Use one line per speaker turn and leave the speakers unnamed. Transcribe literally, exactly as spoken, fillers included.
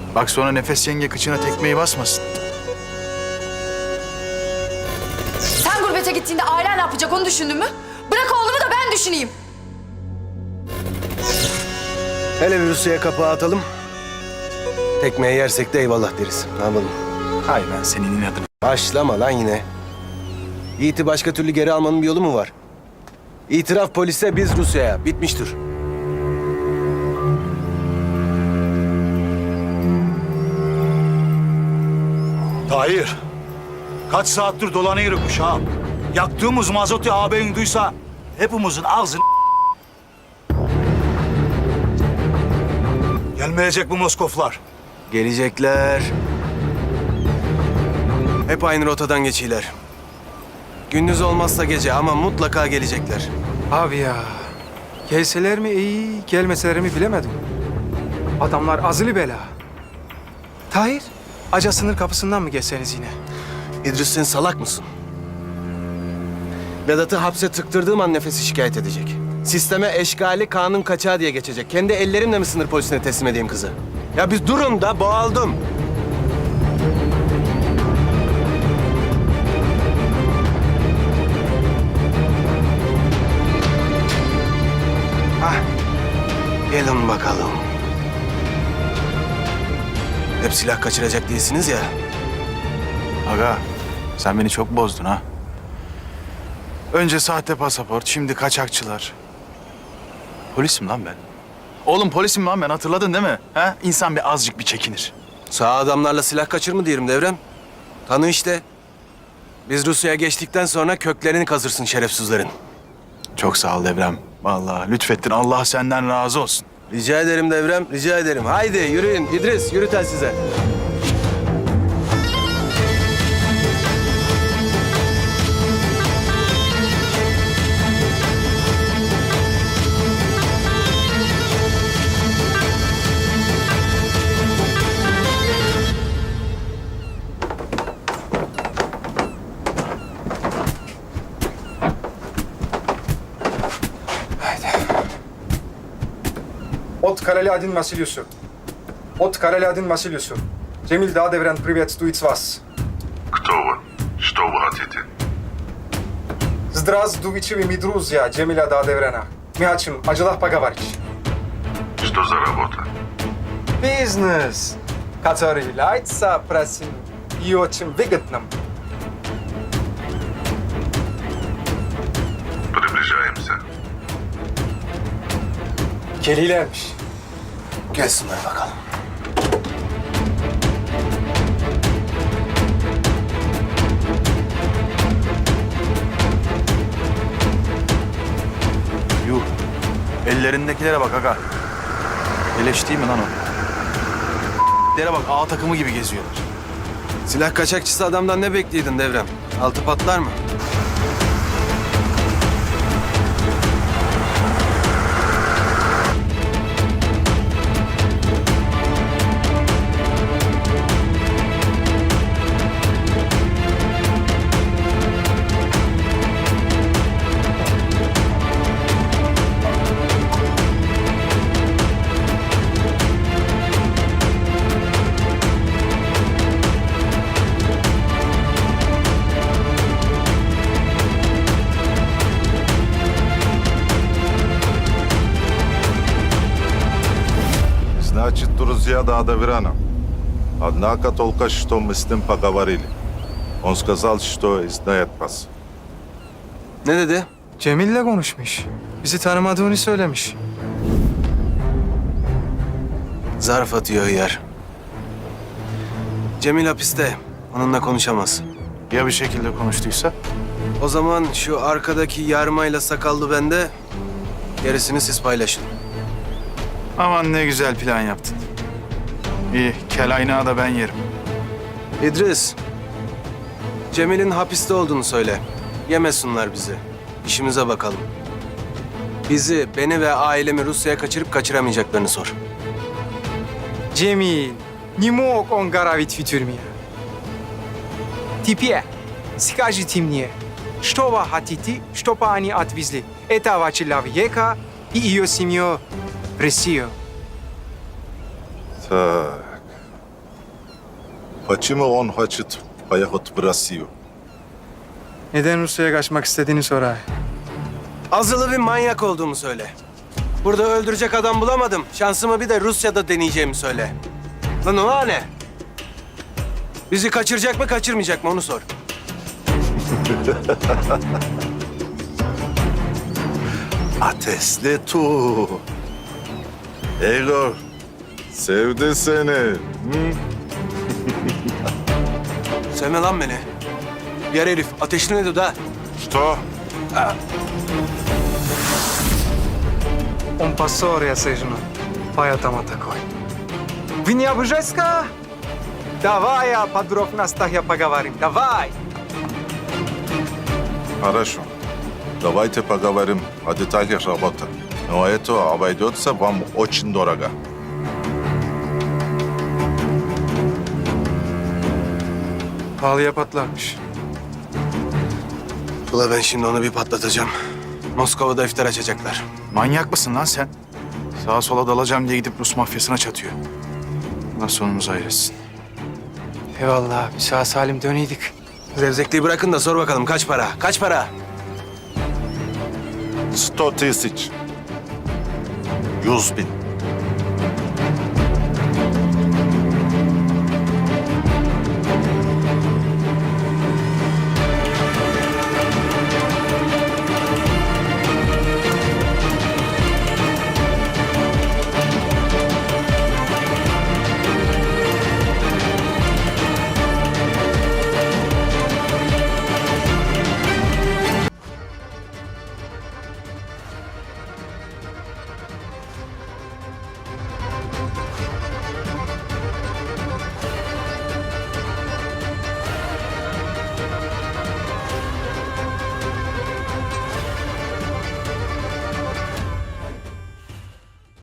Bak sonra Nefes yenge kıçına tekmeyi basmasın.
Sen gurbete gittiğinde ailen ne yapacak onu düşündün mü? Bırak oğlumu da ben düşüneyim.
Hele bir Rusya'ya kapağı atalım. Tekmeyi yersek de eyvallah deriz. Ne yapalım?
Hay ben senin inadına.
Başlama lan yine. Yiğit'i başka türlü geri almanın bir yolu mu var? İtiraf polise, biz Rusya'ya. Bitmiştir.
Tahir, kaç saattir dolanıyoruz ha. Yaktığımız mazotu ağabeyin duysa hepimizin ağzını gelmeyecek bu Moskoflar.
Gelecekler. Hep aynı rotadan geçiyorlar. Gündüz olmazsa gece ama mutlaka gelecekler.
Abi ya, gelseler mi iyi, gelmeseler mi bilemedim. Adamlar azılı bela. Tahir, Aca sınır kapısından mı geçseniz yine?
İdris, sen salak mısın? Vedat'ı hapse tıktırdığım an Nefes'i şikayet edecek. Sisteme eşgali, kanun kaçağı diye geçecek. Kendi ellerimle mi sınır polisine teslim edeyim kızı? Ya biz durun da, boğaldım. Hah, gelin bakalım. Hep silah kaçıracak değilsiniz ya.
Aga sen beni çok bozdun ha. Önce sahte pasaport, şimdi kaçakçılar. Polisim lan ben. Oğlum polisim lan ben, hatırladın değil mi? Ha? İnsan bir azıcık bir çekinir.
Sağ adamlarla silah kaçır mı diyelim Devrem? Tanı işte. Biz Rusya'ya geçtikten sonra köklerini kazırsın şerefsizlerin.
Çok sağ ol Devrem. Vallahi lütfettin. Allah senden razı olsun.
Rica ederim Devrem, rica ederim. Haydi yürüyün. İdris, yürü telsize.
От Karaladin Vasilyusu. От Karaladin Vasilyusu. Cemil Dağdevren, приветствует вас.
Кто вы? Что вы хотите?
Здравствуйте, ми друзья, Cemila Dağdevren'a. Мы хотим о делах поговорить.
Что за работа?
Бизнес, который является простым и очень выгодным.
Приближаемся.
Gelilermiş.
Gelsinler bakalım.
Yuh. Ellerindekilere bak aga. Eleş değil mi lan o? Lere bak, A takımı gibi geziyorlar.
Silah kaçakçısı adamdan ne bekliyordun Devrem? Altı patlar mı?
Значит, друзья Дадавирана. Однако только что мы с ним поговорили. Он сказал, что знает вас.
Ne dedi?
Cemil'le konuşmuş. Bizi tanımadığını söylemiş.
Zarf atıyor yer. Cemil hapiste. Onunla konuşamaz.
Ya bir şekilde konuştuysa?
O zaman şu arkadaki yarmayla sakallı bende. Gerisini siz paylaşın.
Aman ne güzel plan yaptın. İyi, kel aynağı da ben yerim.
İdris, Cemil'in hapiste olduğunu söyle. Yemesinler bizi. İşimize bakalım. Bizi, beni ve ailemi Rusya'ya kaçırıp kaçıramayacaklarını sor.
Cemil, не мог он горовить в тюрьме. Теперь скажите мне, что вы хотите, чтобы они отвезли этого человека и ее семью в Россию?
Так, Почему он хочет поехать в Россию?
Neden Rusya'ya kaçmak istediğini sorar.
Azılı bir manyak olduğumu söyle. Burada öldürecek adam bulamadım. Şansımı bir de Rusya'da deneyeceğimi söyle. Lan o ne? Bizi kaçıracak mı kaçırmayacak mı onu sor.
Ateşli tu. Egor, sevdi seni. Hı?
Sevme lan beni. Yer herif ateşli ne dedi ha?
Что?
Он поссорился, жена. Поэтому такой. Вы не обижайся? Давай о подробностях я поговорим. Давай.
Хорошо. Давайте поговорим о деталях работы. Но это обойдется вам очень дорого.
Pahalıya patlarmış.
Ula ben şimdi onu bir patlatacağım. Moskova'da iftar açacaklar.
Manyak mısın lan sen? Sağa sola dalacağım diye gidip Rus mafyasına çatıyor. Allah sonumuzu hayretsin.
Eyvallah abi sağ salim döneydik.
Zevzekliği bırakın da sor bakalım kaç para? Kaç para?
Сто тысяч. Yüz bin.